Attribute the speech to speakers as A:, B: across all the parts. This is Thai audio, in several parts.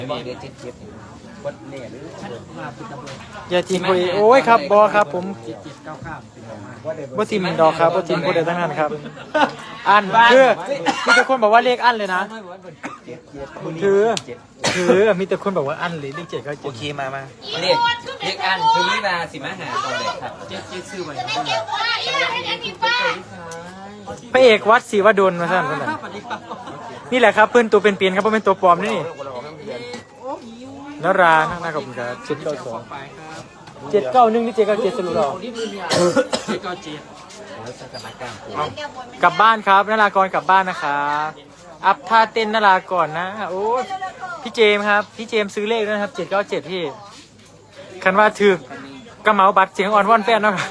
A: มีเดือนเจ็ดเจ็ดวัดเนี่ยหรือ
B: อย่าทีมคุยโอ้ยครับบอครับผมบ่ทีมดอกครับบ่ทีมผู้ใดทั้งนั้นครับอันคือมีแต่คนบอกว่าเลขอันเลยนะคือมีแต่คนบอกว่าอันเลยเลข7เขา
A: โอเคมาเรียกอันคือวิมาสิมาหาตอนไหนครับเจ็ดซื้อไป
B: พระเอกวัดศรีวดลมาสั่นนั่นนี่แหละครับเพื่อนตัวเป็นเปลี่ยนครับเพราะเป็นตัวปลอมนี่นราข้างหน้ากับผมครับ792 791หรือ797สรุปเรากลับบ้านครับนรากรกลับบ้านนะครับอัพท่าเต้นนรากรนะโอ้พี่เจมครับพี่เจมซื้อเลขด้วยนะครับ797พี่คันว่าถือกระเหมาบัตรเสียงอ่อนว่อนแฟนเนาะ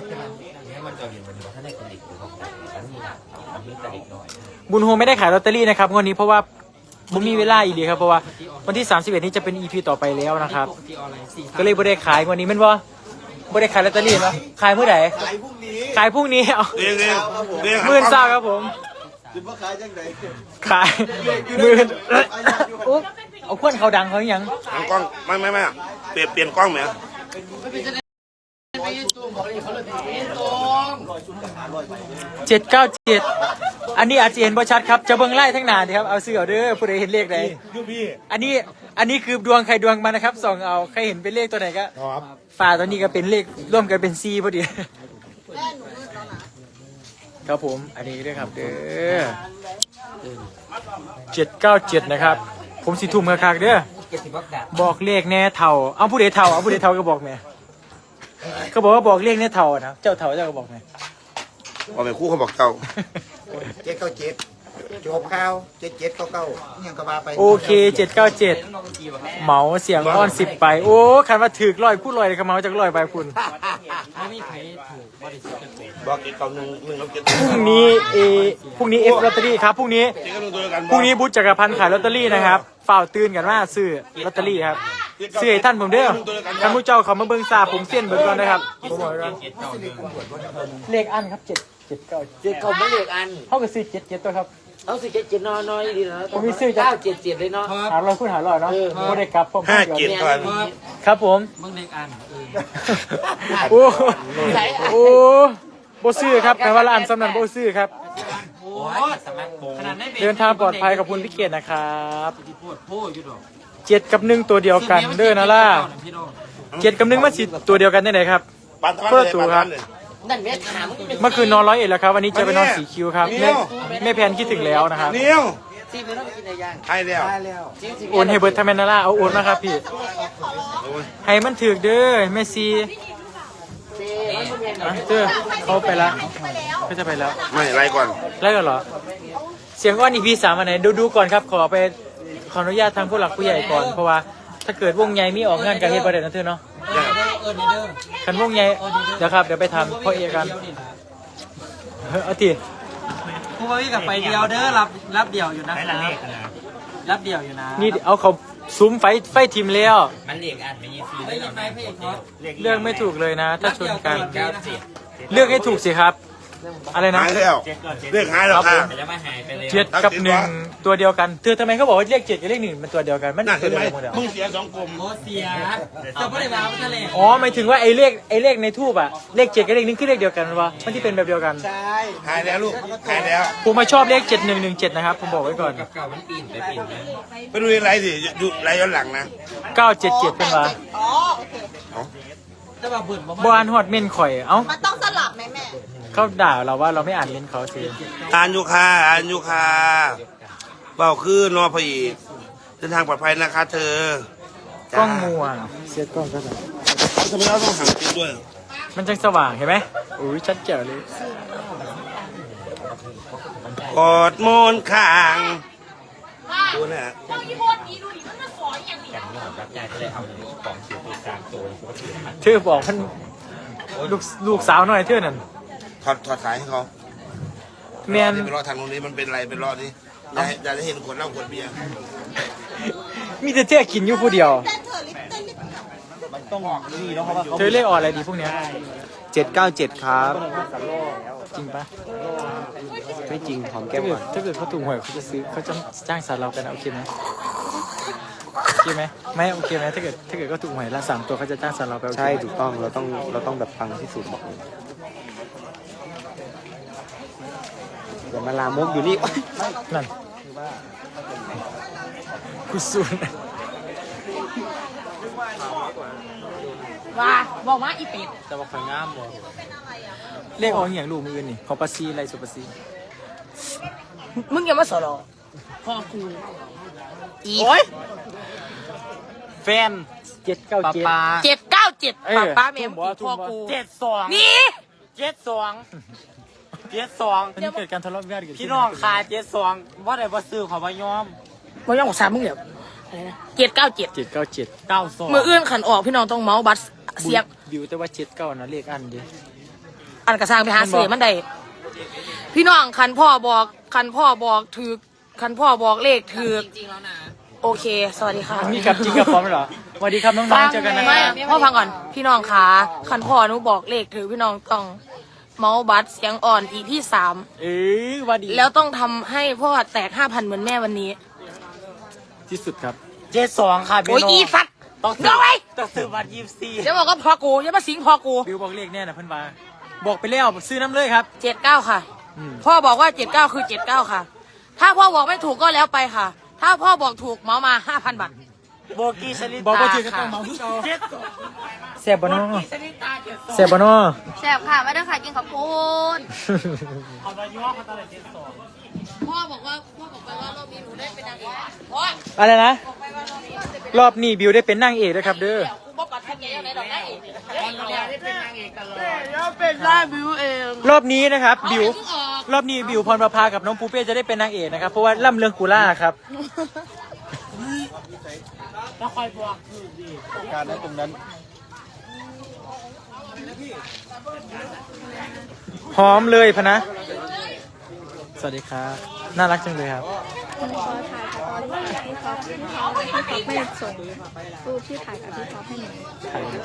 B: บุญโฮมไม่ได้ขายลอตเตอรี่นะครับงวดนี้เพราะว่าผมมีเวลาอีกดีครับเพราะว่าวันที่31นี้จะเป็น EP ต่อไปแล้วนะครับก็เลยไม่ได้ขายงวดนี้แม่นบ่ไม่ได้ขายลอตเตอรี่มั้ยขายเมื่อไหร่ขายพรุ่งนี้เอามื่นเศร้าครับผมขายมื่นอุ๊บเอาเพื่อนเขาดังเขาอย่าง
C: กล้องไม่เปลี่ยนกล้องไหม
B: 797อันนี้อาจจะเห็นบ่ชัดครับจะเบิ่งไล่ทั้งหนาดีครับเอาซื้อเอาเด้อผู้ใดเห็นเลขใดอันนี้คือดวงใครดวงมันนะครับส่องเอาใครเห็นเป็นเลขตัวไหนก็ฝ่าตัวนี้ก็เป็นเลขร่วมกันเป็น4พอดีครับผมอันนี้ด้วยครับเด้อ797นะครับผมสิทุ่มคักๆเด้อบอกเลขแน่เท่าเอาผู้ใดเท่าก็บอกแม่เขาบอกว่าบอกเลขแน่เท่านะเจ้าเท่าเจ้าก็บอกแม่
C: บอกเป็นคู่เขาบอกเจ้า
D: 797จบข่าว7799ยังก็มาไป
B: โอเค797เหมาเสียงอ้อน10ไปโอ้คันว่าถือร้อยพูดร้อยเลยครับเหมาจากร้อยไปคุณ
C: บอก791แล้ว
B: พรุ่งนี้F ลอตเตอรี่ครับพรุ่งนี้บุ๊จักรพันธ์ขายลอตเตอรี่นะครับฝ่าวตื่นกันว่าซื้อลอตเตอรี่ครับซื้อให้ท่านผมเด้อท่านผู้เจ้าเขามาเบิ่งซาผมเส้นเบิ่งก่อนนะครับเลขอันครับ797
D: เขาไม่เลขอัน
B: เขาก็ซื้อ77ตัวครับ
D: เอาสิ77น้อยดีนะ
B: ผมมีซื้อ
D: 977เลยเนาะ
B: หาร้อยคูณหาร้อยเนาะบ่ได้กลับผม
C: 57ก่อน
B: ครับผม
A: มึงเลขอัน
B: โอ้บ่ซื้อครับแต่ว่าร้านสำนักบ่ซื้อครับเดินทางปลอดภัยขอบคุณพี่เกียรตินะครับ7 กับ 1ตัวเดียวกันเด้อนะล่ะ7 กับ 1มาสิตัวเดียวกันได้ไหนครับเพื่อตู่ครับเมื่อคืนนอน101แล้วครับวันนี้จะไปนอนสีคิวครับแม่แพนคิดถึงแล้วนะครับ
C: ให้แล้ว
B: โอนให้เบิร์ดทำแมนาล่าเอาโอนมาครับพี่ให้มันถึกเด้อแม่ซีเจ้าเขาไปแล้วเขาจะไปแล้ว
C: ไม่ไล่ก่อน
B: เหรอเสียงอ้อนอีพี3อันไหนดูก่อนครับขออนุญาตทางผู้หลักผู้ใหญ่ก่อนเพราะว่าถ้าเกิดวงใหญ่มีออกงานกับเฮดประเด็นนั่นเถอะเนาะคันวงใหญ่เดี๋ยวครับเดี๋ยวไปทำพ่อเอกันเอาที
A: ผู้ว่าวิ่งกับไปเดียวเด้อรับเดี่ยวอยู่นะรับเดี่ยวอยู่นะ
B: นี่เอาเขาซุ้มไฟทีมแล้ว
A: มันเรียกอันไม่ยีซีได้ยังไงพี่
B: เลือกไม่ถูกเลยนะถ้าชนกันเลือกให้ถูกสิครับอะไรนะ
C: เลือกหายแล้วค่ะ
B: 7 กับ 1ตัวเดียวกันทำไมเขาบอกว่าเลข7กับเลข1มันตัวเดียวกันมัน
C: ตัวเดียวกันมึงเสีย2กลม
A: โอ้เสียจะไม่ได้มาไม่ทะเล
B: อ๋อหมายถึงว่าไอ้เลขในทูบอะเลข7กับเลข1คือเลขเดียวกันวะมันที่เป็นแบบเดียวกัน
C: ใช่หายแล้วลูกหายแล้ว
B: ผมมาชอบเลข7117นะครับผมบอกไว้ก่อน
A: เก่ามันปีน
C: ไปดูไรสิดูไรย้อนหลังนะ
B: 977เป็นวะบ้านฮอดเม่นข่อยเอ้า
E: มันต้องสลับไหมแม่
B: เขาด่าเราว่าเราไม่อ่านเม้นเขาสิ
C: อ่านอยู่ค่ะเบาคือนอพอีกเดินทางปลอดภัยนะคะเธอก
B: ล้องมัวเสียกล้องก็ได้
C: ทำไมเราต้องหันติดด้วย
B: มันจังสว่างเห็นไหมโอ้ยชัดเจ๋วเลย
C: กอดมนข้างตัวน่ะ
B: เธอบอกมันลูกสาวหน่อยเธอนั่น
C: ถอดสายให้เขา
B: แมน
C: เป็นรอทางตรงนี้มันเป็นอะไรเป็นรอนี้จะได้เห็นคนเหล้าคนเบียร์
B: มีแต่เธอกินอยู่ผู้เดียวเธอเรียกออกอะไรดีพวกเนี้ย
D: 797ครับ
B: จริงปะ
D: ไม่จริงหอมแก้มก่อน
B: ถ้าเกิดเขาถูกหวยเขาจะซื้อเขาจะจ้างสารเรากันโอเคไหมโอเคไหมไม่โอเคไหมถ้าเกิดก็ถูกหวยละ3ตัวเขาจะจ้างสเราไปโอเค
D: ใช่ถูกต้องเราต้องแบบฟังที่สุดบอกเลยอย่ามาลามกอยู่นี่
B: นั่นกูซูน
E: ว่าบอกว่าอีเป็ด
B: จะบอกข่อยงามบ่เลขออกอย่างลูกมืออื่นนี่ของปาซีไรสุปาซี
E: มึงอย่ามาสอรอพ่อกูอี
B: โอ้ยแฟน797
E: 797
B: เออ
E: ป้าเมม
B: ทุ่
E: พ่อ
B: บ่
E: กู
F: 72
E: นี่
F: 72
B: มันเกิดการทะเลาะวิวาทเกิดขึ้
F: พี่น้องคา72ว่าได้บ่ซื้อขอบ่ยอม
E: บ่ยอมของสามมึงเดี๋ยวอะไรนะ797
B: 797
F: 92
E: มืออื่นขันออกพี่น้องต้องเมาส์บัตรเสียบ
B: บิวแต่ว่า79นะเลขอันเดี
E: อันกระซังไปหาเสือมันได้พี่น้องคันพ่อบอกถือคันพ่อบอกเลขถือจริงๆแล้วนะโอเค สวัสดีค่ะ
B: มีกับจริงกับพร้อมเหรอสวัสดีครับน้องๆเจอกันนะค
E: ไม่
B: รับ
E: พ่อฟังก่อนพี่น้องขาคันพ่อหนูบอกเลขถือพี่น้องต้องเมาส์บัตรเสียงอ่อนอีพี่3
B: ว่าดี
E: แล้วต้องทำให้พ่อแตก 5,000เหมือนแม่วันนี้
B: ที่สุดครับ
F: 72ค่ะพี่
E: โอ้ย
F: น้อง
E: อีสัตว์
F: ต้อง
E: เดี๋ยวไว้
F: ต้องซื้อบัตร24
E: เดี๋ยวบอกก็พอกูอย่ามาสิงพอกู
B: บิวบอกเลขแน่นะเพื่อนว่าบอกไปแล้วซื้อน้ำเลยครับ
E: 79 ค่ะ พ่อบอกว่า 79 คือ 79 ค่ะ ถ้าพ่อบอกไม่ถูกก็แล้วไปค่ะ ถ้าพ่อบอกถูกเมามา 5,000 บาท
F: โบกี้ชลิตา
B: บอกว่าถือก็ต้อง
F: ค่ะ
B: เมาทุกเอา
F: 72
B: แซ่บบานอ
F: ชลิตา72
B: แซ่บบานอ
G: แซ่บค่ะไม่ได้ค่ะกินข้าวโพด
F: ขอบ่ยอมเขาตลอด72
E: พ่อบอกว่ารอบนี้หนูได้เป็นนางเอกพ่อ
B: อะไรนะ รอบนี้บิวได้เป็นนางเอกด้วยครับเด้อ
E: กูบอกปัดแค่แกยังไงดอกได้เอก
F: ได้เป็นนางเอกตลอด
E: แล้วเป็นหน้าบิวเอง
B: รอบนี้นะครับบิว
E: เอาไปเพิ่งออก
B: รอบนี้บิวพรประภากับน้องปูเป้จะได้เป็นนางเอกนะครับเพราะว่าล่ำเรืองกูล่าครับ
F: แล้วคอยบอกคือดี
B: การนั้นตรงนั้นหอมเลยพะนะ สวัสดีครับน่ารักจังเลยครับ
G: ขอถ่ายกับตอนที่พี่ท็อปไม่ส่งรูปที่ถ่ายกับพี่ท็อปให้หนู
B: ถ่ายเลย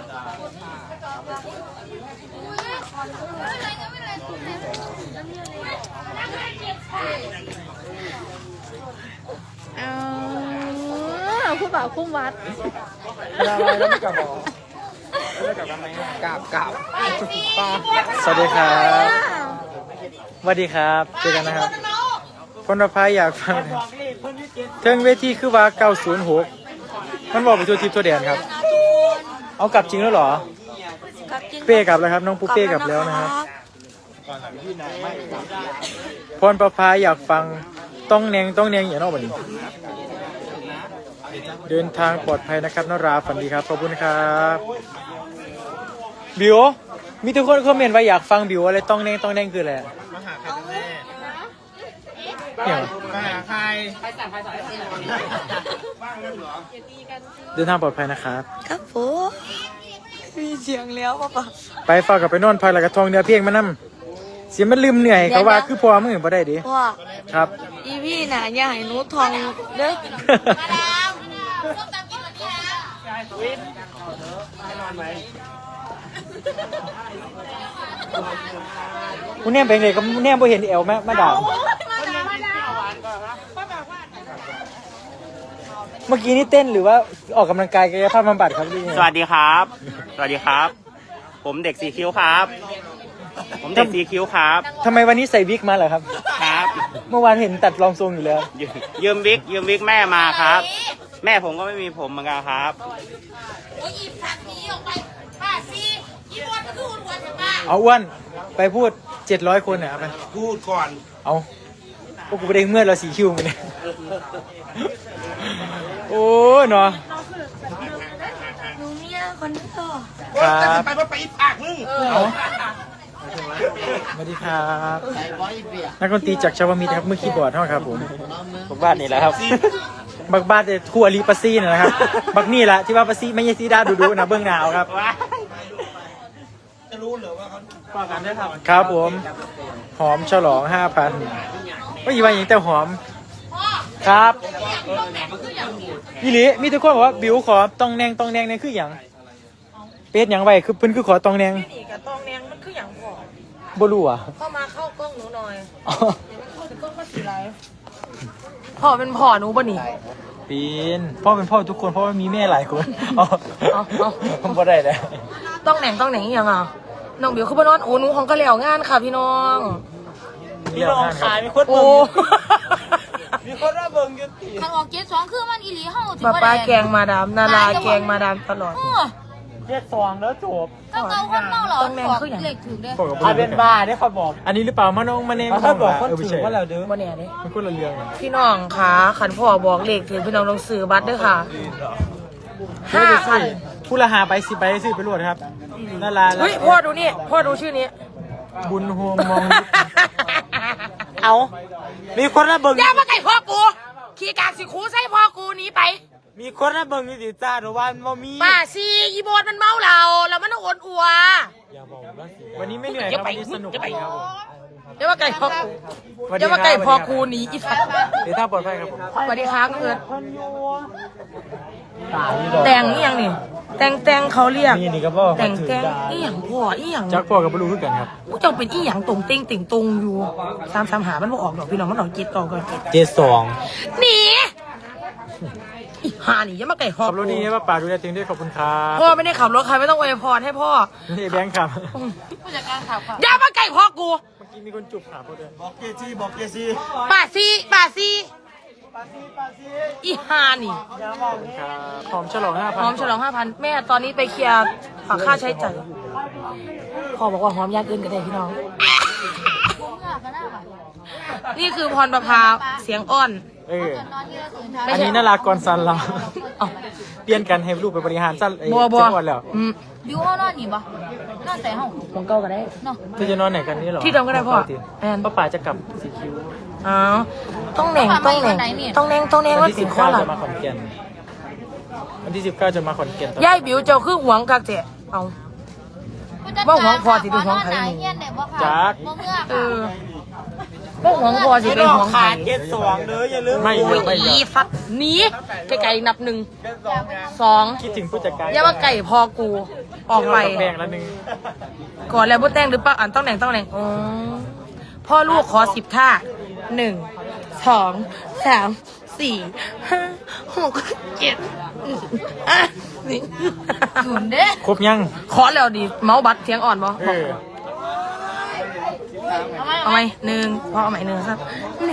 G: ผู้บ่าวคู่วัด
B: อะไรแล้วไม่กลับหรอไม่กลับกันไหมกลับสวัสดีครับสวัสดีครับเจอกันนะครับคนประพายอยากฟังเทิงเวทีคือว่า906มันบอกไปทัวทิพย์ทัวแดนครับ เอากลับจริงแล้วเหรอ เป้กลับแล้วครับน้องปูเป้กลับแล้วนะครับพรประพายอยากฟังต้องแนงอย่างนอกบันนี้เดินทางปลอดภัยนะครับนราฝันดีครับขอบคุณครับบิวมีทุกคนคอมเมนต์ว่าอยากฟังบิวอะไรต้องแนงคืออะไรเนี่ยเดินทางปลอดภัยนะครับ
E: ครับผมมีเสียงแล้วป่ะ
B: ไปฝากกับไปนอนพักแล้วก็ทองเนื้อเพียงมานำเสียมันลืมเหนื่อยเขาว่าคือพอมือบ่ได้ดิ
E: พ่อ
B: ครับ
E: อีพี่น่ะอย่าให้หนูทองเด้อ
B: กูเนี่ยเป็นไงก็เนี่ยบ่เห็นเอวแม่มาด่าเมื่อกี้นี่เต้นหรือว่าออกกำลังกายกายภาพบำบัดครับพี่
F: สวัสดีครับ สวัสดีครับ ผมเด็กสีคิ้วครับ ผมเด็กสีคิ้วครับ
B: ทำไมวันนี้ใส่วิกมาเหรอครับ
F: ครับ
B: เมื่อวานเห็นตัดรองทรงอยู่แล้ว
F: ยืมวิกแม่มาครับ แม่ผมก็ไม่มีผมเหมือนกันครับ
E: โอ้ยอีสัตว์หนีออกไปป้าซีอีบอลก็คืออ้วนๆป้า
B: เอาอ้วนไปพูด700คนเนี่ยเอาไป
C: พูดก่อน
B: เอาพวกกูไปได้เมื่อเราสีคิวมันเนี่ยโอ้เนาะ
E: หนูเนี่ยคนนี้ก็
B: ครับ
C: ไปไปอีกปากมึง
B: เอาสวัสดีครับนักดนตรีจากชาวมิตรครับมือคีย์บอร์ดเท่าครับผมบ้านนี่แหละครับบักบ้านแต่คู่อลีปัสซี่นะครับบักนี่แหละที่ว่าปัสซี่ไม่ใช่ซีดาดูนะเบื้องหนาวครับ
C: จะรู้เหรอว่าเขา
F: ป้องกันด้วยครับ
B: ครับผมหอมฉลอง 5,000ก็อีวันอย่างแต่หอมครับยี่หลีมีทุกคนบอกว่าบิวขอตองแนงเนี่ยคืออย่างเป็ดอย่างไรคือเพิ่นคือขอตองแนง
E: นี่กับตองแนงมันคืออย่างพ่อ
B: บ่รู้อ่ะ
E: เข้ามาเข้ากล้องหนูหน่อย
B: อ๋อ
E: เดี๋ยวมันเข้าถึงกล้องก็สีไรพ่อเป็นพ่อหนูป่ะนี่
B: ปีนพ่อเป็นพ่อทุกคนเพราะว่ามีแม่หลายคนผมบ่ได้เลย
E: ต้องแหน่งอีหยังอ่ะน้องเบียวคือบ่นอนโอ้หนูของก็แล้วงานค่ะพี่น้อง
B: พี่น้องขายมีคน
E: โอ้
B: มีคนว่าเบิ่งอยู่ติ
H: คันออก7-2คือมันอีหลีเฮาสิ
E: ป้า
H: บ่
E: ป้า
H: ได้
E: แกงมาดามนาราแกงมาดามตลอด
B: เจ็ดสองแล้วจบ
H: ก็เก่าคนเมาเหรอ
E: ต้องแม่นคือหยัง
H: เลขถูกเด้
B: อาเป็นบ้าได้เขาบอก อันนี้หรือเปล่ามาน้องมาเน่เขาบอกคนถือว่าเราเด้อ
E: บ่แน่เด้
B: มันคนละเรื่อง
E: พี่น้องค่ะขันพ่อบอกเลขถึงพี่น้องต้องซื้อบัตรด้วยค่ะ 5,000
B: ผู้ละหาไป10ใบซื้อไปรวดครับนารา
E: เฮ้ยพ่อดูนี่พ่อดูชื่อนี้
B: บุญโฮมมองเอามีคนละเบิ่ง
E: อย่ามาไก่พ่อกูขี่กากสิคูใส่พ่อกูหนีไป
B: มีคนละเบิ่งอยู่สิจ้าหรือว่าบ่มี
E: ป้าซีอีโบนมันเมาเราแล้วมันโอนอัว
B: อย่าบอกว่าสิวันนี้ไม่เหนื่อยครับวันนี้สนุกดีครับผม
E: อย่ามาไก่พ่อกูอย่ามาไก่พ่อกูหนีอีสัตว์
B: เดี๋ยวถ้าปลอดภัยครับผม
E: สวัสดีครับเอิร์ดแต่งนี่ยังนี่แต่งเขาเรียก
B: นี่ก็บอก
E: แต่งอีหยังพ่ออีหยัง
B: จักพ่อกับบลูคือกันครับ
E: ผู้เจ้าเป็นอีหยังตรงเต็งติ่งตรงอยู่3หามันบ่ออกดอกพี่น้องมันออกจิตต่อก่อน
B: 72
E: หนีอีห่านี่อย่ามาไก่พ่อ
B: ขับรถดีนะป้าดูแลตัวเองด้วยขอบคุณครับ
E: พ่อไม่ได้ขับรถใครไม่ต้องอวยพรให้พ่อ
B: นี่แบงค์ครับ
H: ผู้จัดการข่าว
E: อย่ามาไก่พ่อกู
B: เมื่อกี้มีคนจุบขาพ่อด้วยบอกเกซี
E: ป้าซีอีห่านี่
B: ครับหอมฉลอง 5,000
E: หอมฉลอง 5,000 แม่ตอนนี้ไปเคลียร์ค่าใช้จ่ายพ่อบอกว่าหอมยากเกินกันได้พี่น้อง นี่คือพรประภาเสียงอ้อน
B: เออ
H: นอนที่เราตื่นเช้า
E: ไม่
B: อัน
E: ใช่
B: นี้น่ารากรซันเรา
E: เอ้า
B: เปลี่ยนกันให้ลูกไปบริหารสั้นไอ้
E: บัว
B: เจ้าอ่อนแล้ว
H: บิวเฮานอนนี่บ่นอนแต่เฮา
E: ของเก่าก็ได้
H: เนาะ
B: เธอจะนอนไหนกันนี่หรอ
E: ที่เดิมก็ได้พ่อแอน
B: ป้าป๋าจะกลับสีคิ้ว
E: อ๋อต้องแหน่งว่า
B: วัน
E: ติ
B: ที่
E: ดข้อ
B: 19
E: หลัง
B: จะมาขอนแก่นวันที่19จะมาขอนแก่นต่อ
E: ย่ายบิวเจ้าคือหวงกักเจ๊เอา บ่หวงพอสิเป็นหวงไผ
H: นอนเฮียนได้บ่ค่ะ
B: จัก
H: บ่เมื่อ
E: เอ
H: ค่ะ
E: อบ่หวงพอสิเป็นหวงใคร
B: 72เลยอย่าลืมไม่
E: โอ้ย
B: ไม่
E: อีฟัดหนีไก่นับ1 2
B: คิดถึงผู้จัดการ
E: อย่ามาไก่พอกูออกไป
B: แบ่งละนึง
E: ก่อนแล้วบ่แต่งหรือเปล่าต้องแหน่งอ๋อพ่อลูกขอ10ท่า1 2 3 4 5 6 7 นี่
H: ศูนย์เด้
B: ครบยัง
E: ขอแล้วดิเมาส์บัตรเสียงอ่อนบ่
B: เออ
E: เอาไหม1พอเอาไหม1ครับ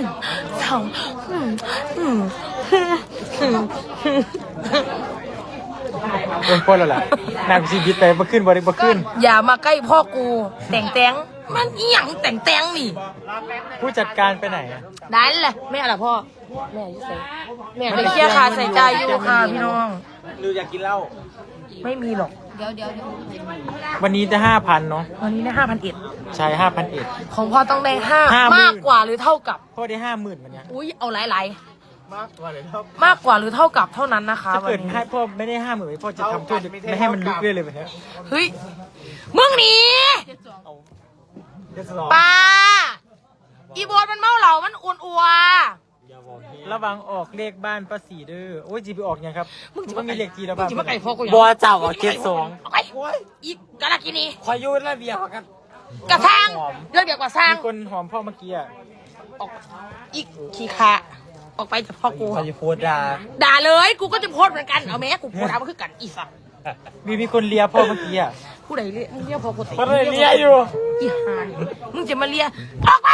E: 1 2
B: เป็นคนแล้วล่ะนางชีวิตไปบ่ขึ้นบ่ขึ้น
E: อย่ามาใกล้พ่อกูแต่งมันอีหยังแต่งนี่
B: ผู้จัดการไปไหนอะ
E: ได้แหละแม่ล่ะพ่อแม่อยู่ใส่แม่ไปเคลียร์ค่าใส่ใจายอยู่ค่ะพี่น้อง
B: หรืออยากกินเหล้า
E: ไม่มีหรอก
H: เดี๋ยว
B: วันนี้จะ 5,000เนาะ
E: วันนี้ได้5,100
B: ใช่ 5,100
E: ของพ่อต้องได้
B: 50,000
E: 5มากกว่าหรือเท่ากับ
B: พ่อได้ 50,000มันเนี้ย
E: อุ้ยเอาหลาย
B: มากกว่าเลยครับ
E: ๆมากกว่าหรือเท่ากับเท่านั้นนะคะ
B: ถ้า
E: วัน
B: เกิด
E: นี้
B: ให้พ่อไม่ได้ 50,000พ่อจะทำโทษไม่ให้มันลุกเรื่อยเลยไหมครับ
E: เฮ้ยมึงหนี
B: เดี๋ยวจะรอ
E: ปลาอีโบนมันเมาเหล่ามันอ้วนอัว
B: ระวังออกเลขบ้านป้าสีเด้อโอ้ยจีไปออกยังครับมันมีเลขจีแล้ว
E: มึง
B: บ้าง
E: จะมาไก่พ่อกู
B: บัวเจ้าออก72
E: เอาไปอีกาลากินี
B: คอยยูระเบียบกัน
E: กระซังเรื่องเดียวกับสร้าง
B: มีคนหอมพ่อเมื่อกี้อ่ะ
E: ออกอีกขี้ขาออกไปจากพ่อกู
B: คอยจะโพดดา
E: ด่าเลยกูก็จะโพสต์เหมือนกันเอาแม้กูโพสต์เอามาคือกันอีสัตว์
B: มีคนเลียพ่อเมื่อกี้อ่ะ
E: ผู้ใดเรียกมึงเรียกพ่อกูติ
B: เขาเลยเลียอยู่
E: อีหานมึงจะมาเลียออกไป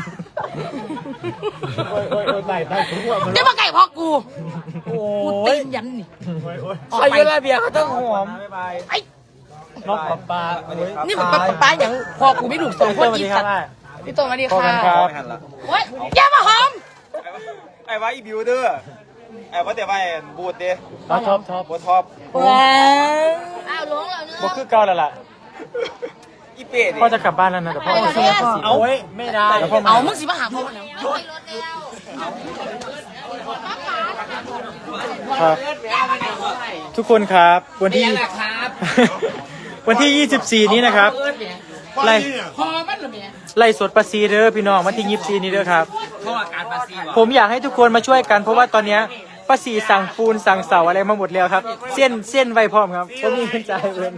B: โอ้ยตายทุกวัน
E: จะมาไก่พ่อกู
B: โอ้
E: กู
B: ย
E: ตีนยันนี่ออก
B: คอย
E: ไป
B: ยูระเบียบเขาต้องหอม
E: ไอ้
B: น้องปลา
E: นี่มันป้าอย่างพ่อกูไม่ถูกสองคนอีสัตว์พี่โตมาดี
B: พอ
E: ค่ะ
B: กันครับ
E: โอ้ยอย่ามาหอม
I: ไอ้ว่าอีบิวเดอร์ไอ้ว่าแต่ว่าบูดเด้
B: ท็อป
I: บูท็อป
E: ว้าว
H: อ้าวล้วงแล้วเนื้
B: บ่คือเก่าแล้วล่ะ
I: อีเป็ด
B: พ่อจะกลับบ้านแล้วนะแต่พ่อ
E: โอเคพ่อ
B: เอาไว้ไม่ได้แล้วพ่อมา
E: เอามึงสิมาหาพ่อแล้ว
H: ไปรถแล้ว
B: ครับทุกคนครับวันที่ วันที่ 24 นี้นะครับไล่
E: พอมันหรือเปล่า
B: ไล่สดประซีเด้อพี่น้องวันที่24นี้เด้อครับ
A: เพราะว่าการมาซีว่ะ
B: ผมอยากให้ทุกคนมาช่วยกันเพราะว่าตอนเนี้ยป้าสีสั่งปูนสั่งเสาอะไรมาหมดแล้วครับเส้นไว้พร้อมครับผมมีเงินจ่ายเงิน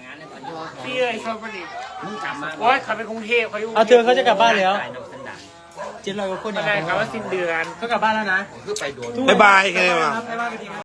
F: พี่เอ้ยชอบมันดิโอ้ยขับไปกรุงเทพเขาอยู่
B: เอาเธอเขาจะกลับบ้านแล้ว
A: 700 กว่าคน
B: อะไรครับว่าสิ้นเดือน
A: เขากลับบ้านแล้วนะ
C: บ๊ายบายกันเลยว่ะ
A: บ๊ายบาย